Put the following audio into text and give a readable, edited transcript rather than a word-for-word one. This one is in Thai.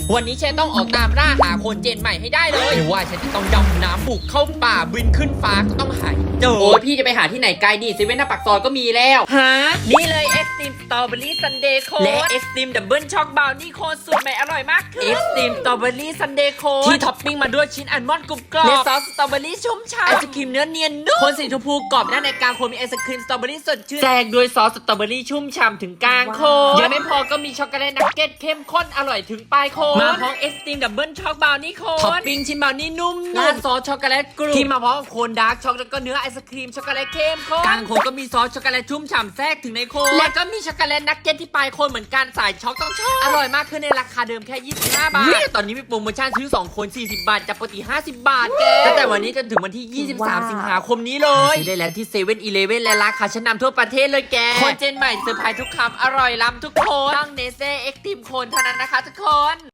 วันนี้ฉันต้องออกตามล่าหาคนเจนใหม่ให้ได้เลยไม่ว่าฉันจะต้องดำน้ำบุกเข้าป่าบินขึ้นฟ้าก็ต้องหาเจอโอ้ยพี่จะไปหาที่ไหนไกลดิเซเว่นหน้าปากซอยก็มีแล้วฮะนี่เลย Extreme Strawberry Sundae Cone และ Extreme Double Choc Brownie Cone สูตรใหม่อร่อยมากคือ Extreme Strawberry Sundae Cone ที่ท็อปปิ้งมาด้วยชิ้นอัลมอนด์กรุบกรอบและซอสสตรอเบอรี่ชุ่มฉ่ำไอศครีมเนื้อเนียนนุ่มโคนสีชมพูกรอบด้านในกลางโคนมีไอศครีมสตรอเบอรี่สดชื่นแจกด้วยซอสสตรอเบอรี่ชุ่มฉ่ำถึงกลางโคนยังไม่พอก็มีช็อกโกแลตนักเก็ตเข้มข้นอร่อยถึงปลายโคนมาพร้อม Extreme Double Choc Brownie Cone ท็อปปิ้งชิ้นบราวนี่นุ่มราดซอสช็อกโกแลตกรุบที่มาพร้อมกับโคนดาร์กช็อกแล้วก็เนื้อไอศครีมช็อกโกแลตเข้มข้นกลางโคนก็มีซอสช็อกโกแลตชุ่มฉ่ำแทรกถึงในโคนและก็มีช็อกโกแลตนักเก็ตที่ปลายโคนเหมือนกันสายช็อกต้องชอบอร่อยมากขึ้นในราคาเดิมแค่25 บาทตอนนี้มีโปรโมชั่นซื้อ2คน40 บาทจากปกติ50 บาทแกตั้งแต่วันนี้จนถึงวันที่23 สิงหาคมนี้เลยซื้อได้แล้วที่7-Eleven และร้านค้าชั้นนำทั่วประเทศเลยแกคนเจนใหม่เซอร์ไพรส์ทุกคำอร่อยล้ำทุกคนต้องเนเซ่เอ็กซ์ตรีมโคนเท่านั้นนะคะทุกคน